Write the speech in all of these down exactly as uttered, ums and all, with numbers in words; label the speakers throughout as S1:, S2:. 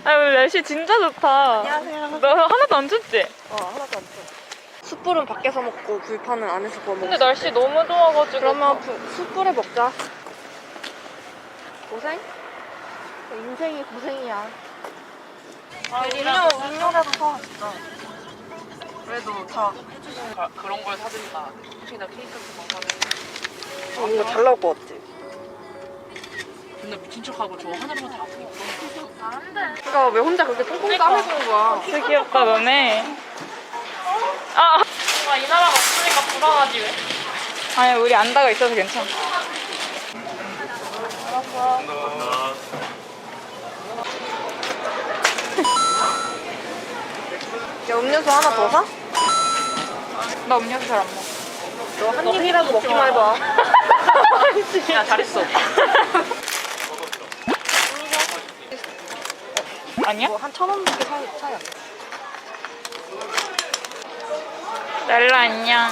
S1: 아, 오늘 날씨 진짜 좋다.
S2: 안녕하세요.
S1: 너 하나도 안 춥지?
S2: 어, 하나도 안 쳐. 숯불은 밖에서 먹고 불판은 안에서 구워 먹어.
S1: 근데 날씨 너무 좋아가지고.
S2: 그러면 부, 숯불에 먹자. 고생? 인생이 고생이야.
S1: 아,
S2: 음료, 음료라도 사, 진짜. 그래도 다 해주시는
S3: 가, 그런 걸 사준다. 혹시나 케이크 같은 거 사면.
S2: 거. 뭔가 잘 나올 것 같지?
S3: 근데 미친 척하고 저 하나로만 다 아프게 그런
S2: 그러니까 왜 혼자 그렇게 꽁꽁 까매주는 거야?
S1: 진짜 귀엽다, 너네. 아,
S3: 아, 이 나라가 없으니까 불안하지 왜?
S1: 아니, 우리 안다가 있어서 괜찮아.
S2: 야, 음료수 하나 더 사?
S1: 나 음료수 잘 안 먹어.
S2: 너 한 입이라도 먹기만 해봐.
S3: 야, 잘했어.
S1: 아니야?
S2: 뭐 한 천 원밖에 사, 사야 돼.
S1: 랄라 안녕.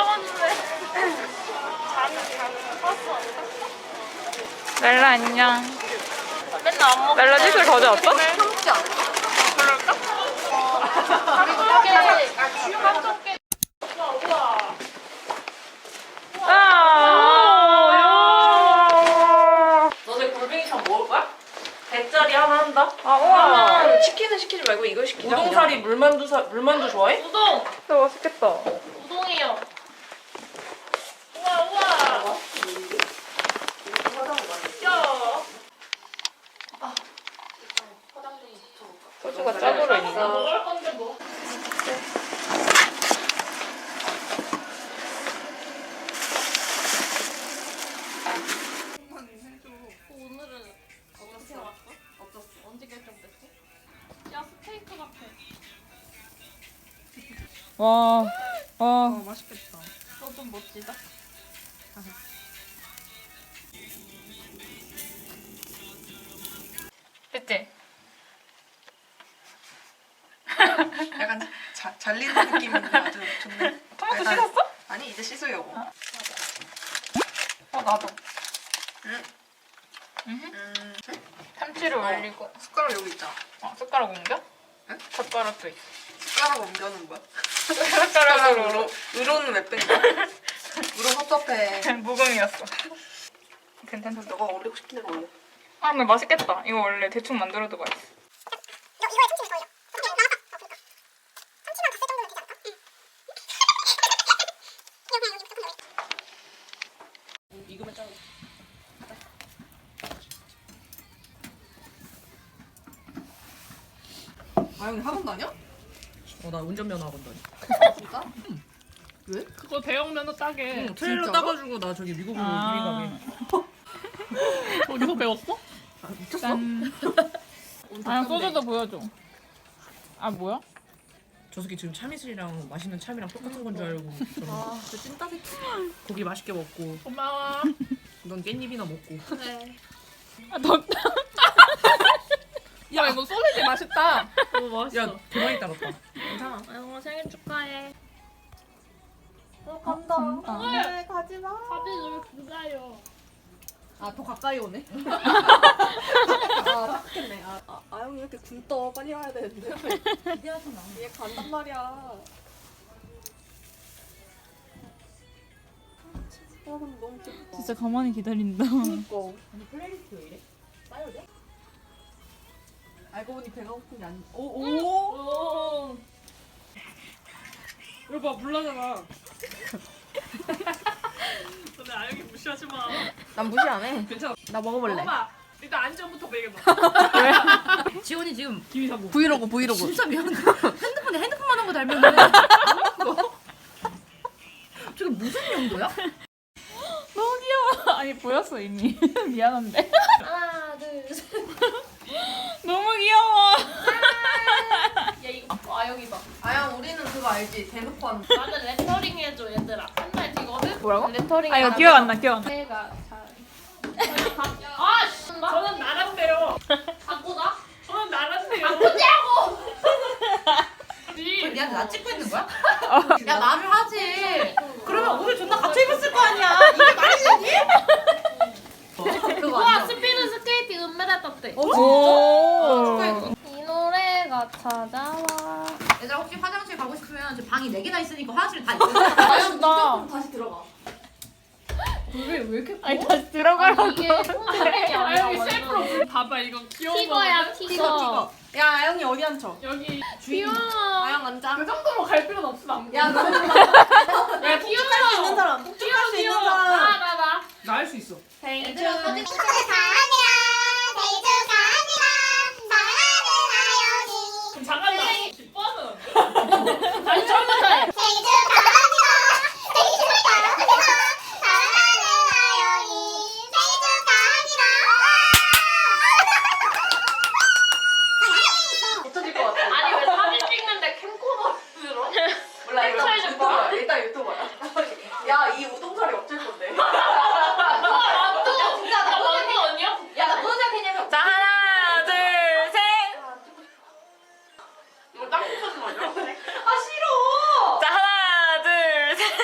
S1: 랄라 안녕.
S3: 맨날 안 먹어.
S1: 랄라 짓을 가져왔어?
S2: 참지 않아?
S1: 아,
S3: 너네 골뱅이탕 먹을 거야? 대짜리 하나 한다?
S1: 아, 우와.
S2: 그러면 치킨은 시키지 말고 이걸 시키자.
S3: 우동사리 물만두 사, 물만두 좋아해?
S4: 우동!
S1: 진짜 맛있겠다.
S4: 우동이요. 우와 우와. 귀여워.
S1: 소주가 짜도로 있네.
S4: 먹을 건데 뭐. 오늘은 어떻게 왔어? 어땠어? 언제 결정됐어? 야 스테이크 같아.
S1: 와, 와.
S2: 맛있겠다.
S4: 너 좀 멋지다.
S1: 그치?
S2: 약간 자, 잘리는 느낌인데 아주 좋네.
S1: 토마토
S2: 약간-
S1: 씻었어?
S2: 아니, 이제 씻으려고.
S1: 어, 나도.
S2: 응?
S1: 음.
S2: 음,
S1: 참치를 올리고.
S2: 숟가락 여기 있잖아.
S1: 어, 숟가락 옮겨?
S2: 응?
S1: 젓가락도 있어.
S2: 숟가락 옮겨는 뭐야?
S1: 숟가락으로.
S2: 숟가락으로. 으로는 왜 뺀 거야? 으로 섭섭해.
S1: 무금이었어. 괜찮다.
S2: 너가 올리고 싶은 대로 올려.
S1: 아, 근데 맛있겠다. 이거 원래 대충 만들어도 맛있어.
S3: 익으면 짜고.
S2: 아영이 학원 다녀?
S3: 어, 나 운전면허 학원 다니.
S2: 진짜? 왜?
S4: 그거 대형 면허 따게.
S3: 응, 트레일러
S2: 진짜로?
S3: 따가지고 나 저기 미국으로
S1: 아.
S3: 이민 가게.
S4: 거기서 배웠어?
S2: 아, 미쳤어?
S1: 짠. 아, 소주도 보여줘. 아, 뭐야?
S3: 저 새끼 지금 참이슬이랑 맛있는 참이랑 똑같은 건 줄 알고. 저는
S2: 아, 진짜 찐따 새끼.
S3: 고기 맛있게 먹고
S4: 고마워.
S3: 넌 깻잎이나 먹고.
S4: 네.
S1: 아, 덥다.
S4: 야 이거 소세지 맛있다.
S3: 어, 맛있어. 야, 더 많이 따랐다.
S2: 괜찮아.
S4: 아영아 생일 축하해.
S2: 어, 간다.
S1: 간다.
S2: 네, 가지 마.
S4: 사진 왜 그가요?
S2: 아, 더 가까이 오네. 아, 착했네. 아, 아, 아영이 이렇게 굶떠. 빨리 와야 되는데. 기대하지 마. 얘 간단 말이야. 와, 근데 너무 귀엽다.
S1: 진짜 가만히 기다린다.
S2: 그니까.
S3: 아니 플레이리스트 왜 이래? 싸야 돼?
S2: 알고 보니 배가 고픈 게 아니. 오, 오.
S4: 오.
S3: 이거 봐, 불나잖아.
S4: 근데 아영이 무시하지 마.
S2: 난 무시 안 해.
S3: 괜찮아.
S2: 나 먹어볼래.
S4: 먹어봐. 일단 안전부터 먹여봐.
S3: 지원이 지금
S4: 기위 사고.
S2: 브이로그, 브이로그.
S3: 진짜 미안해. 핸드폰에 핸드폰만 한 거 달면은 저게 무슨 용도야?
S1: 너무 귀여워. 아니, 보였어, 이미. 미안한데.
S4: 하나 둘 셋.
S1: 너무 귀여워.
S4: 야 이거 어, 아영이 봐.
S2: 아영, 우리는 그거 알지? 대놓고 하는 거.
S4: 나는 레터링 해줘 얘들아. 맨날 지거든.
S2: 뭐라고?
S4: 레터링.
S1: 아, 이거 기억 안 나, 기억 안 나.
S4: 내가 잘. 아 씨. 저는 나란데요. 바꾸다? 저는 나란데요. 바꾸냐고.
S3: 얘한테 나 찍고 있는 거야?
S2: 야,
S3: 말을 하지. 그러면 오늘 존나 갇혀 입었을 거 아니야. 이게 말이 되니?
S2: 그거
S4: 와
S2: 아니야?
S4: 스피드 스케이팅 은메달 땄대.
S2: 어,
S1: 오.
S2: 진짜?
S4: 이노
S1: 찾아와.
S5: 얘들아 혹시 화장실 가고 싶으면 저 방이 네 개나 있으니까 화장실 다 있어.
S2: 아영
S1: 나.
S2: 무조건 다시 들어가. 왜, 왜 이렇게 커?
S1: 아니 다시 들어가라고.
S4: 이게 손가락이
S3: 아영이
S4: 아니라
S3: 셀프로
S4: 완전
S3: 불 봐봐 이거 귀여워.
S4: 티거야
S2: 티거
S4: 티거.
S2: 티거. 야 아영이 어디 앉혀?
S3: 여기
S4: 귀여워.
S2: 아영 앉아.
S3: 그 정도로 갈 필요는 없어 남자.
S2: 야 너.
S3: 야
S2: 수 있는 사람. 폭죽할 수 있는 사람.
S4: 나나 나.
S3: 나 할 수 있어.
S4: 생일
S5: 얘들아
S4: 축하.
S5: 사진
S3: 그럼 잠깐만. 기뻐하면. 아니 처음부터 해.
S2: 붙어질 것 같아.
S4: 아니 왜 사진 찍는데 캠코더 들어?
S2: 몰라 이거
S4: 캡처해줄
S2: 유튜브야. 일단 유튜브야. 야이 우동살이 어쩔 건데.
S4: 아 또.
S2: 진짜 나
S4: 나
S2: 무슨
S4: 완전 언니야?
S2: 야나 무슨 생각했냐면.
S1: 자 하나 둘 셋.
S3: 이거 딱 붙여서 맞아.
S2: 아 싫어.
S1: 자 하나 둘 셋.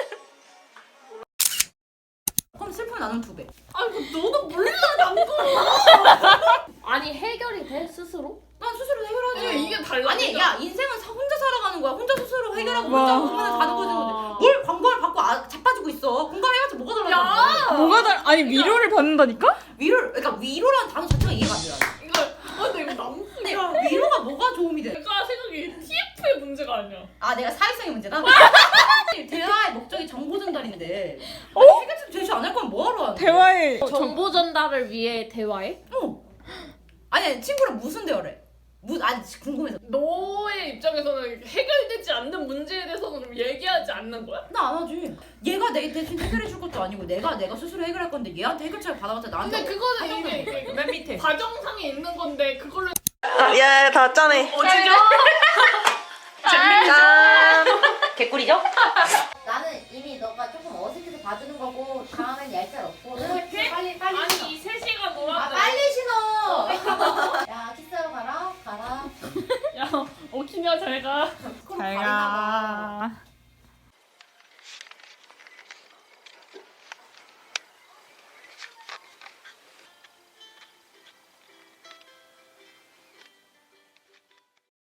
S5: 그럼 슬픔 나는 두 배.
S2: 아니 너도 몰라 남도.
S4: 아니 해결이 돼 스스로?
S5: 난 스스로 해결하지.
S3: 아니, 이게 달라.
S5: 아니 야 인생은 사- 혼자 살아가는 거야. 혼자 스스로 해결하고
S1: 와.
S5: 혼자 보면 가는 거지. 뭘 관광을 받고 아, 자빠지고 있어. 공감해봤자 뭐가 달라져?
S1: 뭐가 달? 아니 위로를 받는다니까?
S5: 위로 그러니까 위로라는 단어 자체가 이해가 안 돼. 나는.
S3: 이거 아 근데 이거 너무
S5: 근데 위로가 뭐가 도움이 돼?
S3: 내가 생각이 티에프의 문제가 아니야.
S5: 아 내가 사회성의 문제다? 대화의 목적이 정보 전달인데 아니, 해결책 제시 안 할 거면 뭐하러 하는 거야?
S1: 대화에
S4: 정보 전달을 위해 대화해?
S5: 어. 아니 아니, 친구랑 무슨 대화를 해? 무, 아니 궁금해서
S3: 너의 입장에서는 해결되지 않는 문제에 대해서는 그럼 얘기하지 않는 거야?
S5: 나 안 하지. 얘가 내 대신 해결해 줄 것도 아니고 내가 내가 스스로 해결할 건데 얘한테 해결책을 받아봤자 나한테
S3: 근데 그거는 이게, 이게
S2: 맨 밑에.
S3: 과정상에 있는 건데 그걸로
S1: 야다 짜네.
S3: 어지죠?
S1: 짠.
S5: 개꿀이죠?
S6: 나는 이미 너가 조금 어색해서 봐주는 거고 다음엔 얄짤 없고 빨리 빨리 빨리 신어.
S3: 아니 이 세 시간
S6: 아
S3: 놀았는데
S6: 빨리 신어. 야 키스하러 가라 가라.
S3: 야 오키냐 잘가
S1: 잘 가.